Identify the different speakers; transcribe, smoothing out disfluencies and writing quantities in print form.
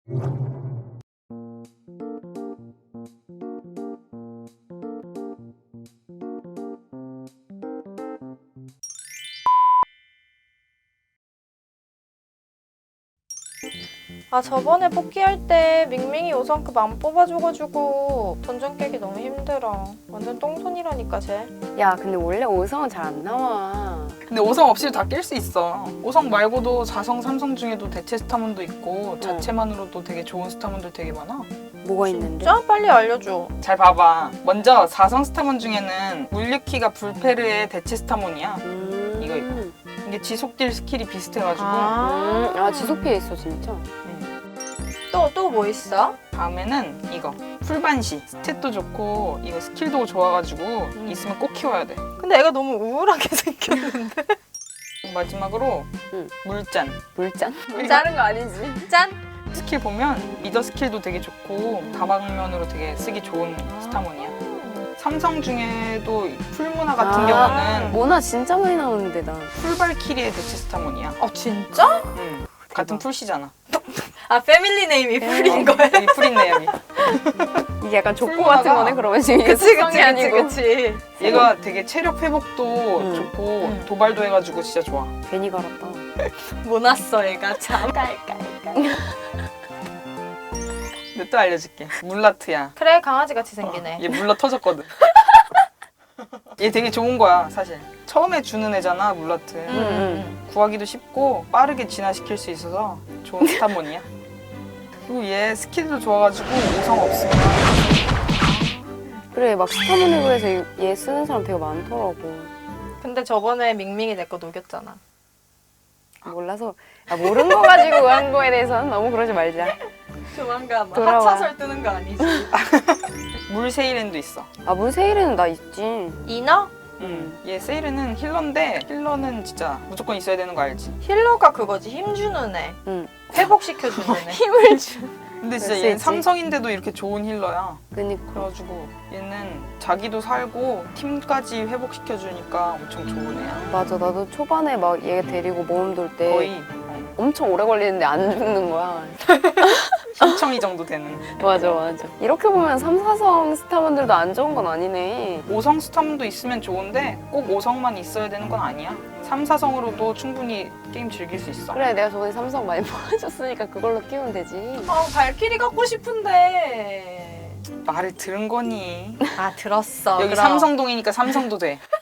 Speaker 1: 아 저번에 뽑기할 때 밍밍이 5성급 안 뽑아줘가지고 던전 깨기 너무 힘들어. 완전 똥손이라니까 쟤.
Speaker 2: 야 근데 원래 5성은 잘 안 나와.
Speaker 3: 근데 5성 없이도 다 깰 수 있어. 5성 말고도 4성, 3성 중에도 대체 스타문도 있고 자체만으로도 되게 좋은 스타문들 되게 많아.
Speaker 2: 뭐가 있는데?
Speaker 1: 진짜 빨리 알려줘.
Speaker 3: 잘 봐봐. 먼저 4성 스타문 중에는 물리키가 불페르의 대체 스타문이야. 이거. 이게 지속딜 스킬이 비슷해가지고
Speaker 2: 아 지속 피해 있어 진짜.
Speaker 1: 또 뭐 있어?
Speaker 3: 다음에는 이거 풀반시. 스탯도 좋고 이거 스킬도 좋아가지고 있으면 꼭 키워야 돼.
Speaker 1: 근데 애가 너무 우울하게 생겼는데.
Speaker 3: 마지막으로 물잔.
Speaker 2: 물잔?
Speaker 3: 이거
Speaker 2: 자른 거 아니지?
Speaker 1: 짠!
Speaker 3: 스킬 보면 미더 스킬도 되게 좋고 다방면으로 되게 쓰기 좋은 스타문이야. 삼성 중에도 풀문화 같은 경우는
Speaker 2: 모나 진짜 많이 나오는데 나.
Speaker 3: 풀발키리의 대체 스타문이야.
Speaker 1: 아 진짜?
Speaker 3: 같은 풀씨잖아.
Speaker 1: 아 패밀리 네임이 풀인 거야?
Speaker 3: 여기 풀있네 여기.
Speaker 2: 이게 약간 족보
Speaker 3: 풀문화가-
Speaker 2: 같은 거네 그러면 지금 이게
Speaker 1: 그치
Speaker 2: 속성이 아니고.
Speaker 1: 그치.
Speaker 3: 얘가 되게 체력 회복도 좋고 도발도 해가지고 진짜 좋아.
Speaker 2: 괜히 갈았다.
Speaker 1: 못 왔어 애가 참.
Speaker 3: 근데 또 알려줄게. 물라트야.
Speaker 1: 그래 강아지같이 생기네.
Speaker 3: 얘 물러 터졌거든. 얘 되게 좋은 거야 사실. 처음에 주는 애잖아 물라트. 구하기도 쉽고 빠르게 진화시킬 수 있어서 좋은 스타몬이야. 그리고 얘 스킬도 좋아가지고 5성 없으면
Speaker 2: 그래 막 스타모니브에서 얘 쓰는 사람 되게 많더라고.
Speaker 1: 근데 저번에 밍밍이 내 거 녹였잖아.
Speaker 2: 몰라서 모르는 거 가지고 한 거에 대해서는 너무 그러지 말자.
Speaker 1: 조만간 막
Speaker 2: 돌아와.
Speaker 1: 하차설 뜨는 거 아니지?
Speaker 3: 물세이렌도 있어.
Speaker 2: 아 물세일에는 나 있지.
Speaker 1: 이너?
Speaker 3: 얘 세이렌은 힐러인데 힐러는 진짜 무조건 있어야 되는 거 알지?
Speaker 1: 힐러가 그거지 힘주는 애.
Speaker 2: 응.
Speaker 1: 회복시켜주는 애.
Speaker 2: 힘을 주.
Speaker 3: 근데 진짜
Speaker 2: 그럴 수
Speaker 3: 얘는
Speaker 2: 있지.
Speaker 3: 삼성인데도 이렇게 좋은 힐러야.
Speaker 2: 그니까.
Speaker 3: 그래가지고 얘는 자기도 살고 팀까지 회복시켜주니까 엄청 좋은 애야.
Speaker 2: 맞아 나도 초반에 막 얘 데리고 모험 돌 때
Speaker 3: 거의
Speaker 2: 엄청 오래 걸리는데 안 죽는 거야.
Speaker 3: 신청이 정도 되는.
Speaker 2: 맞아. 이렇게 보면 3, 4성 스타분들도 안 좋은 건 아니네.
Speaker 3: 5성 스타문도 있으면 좋은데 꼭 5성만 있어야 되는 건 아니야. 3, 4성으로도 충분히 게임 즐길 수 있어.
Speaker 2: 그래 내가 저번에 3성 많이 뽑아줬으니까 그걸로 끼우면 되지.
Speaker 1: 발키리 갖고 싶은데.
Speaker 3: 말을 들은 거니.
Speaker 1: 아 들었어.
Speaker 3: 여기
Speaker 1: 그럼.
Speaker 3: 삼성동이니까 삼성도 돼.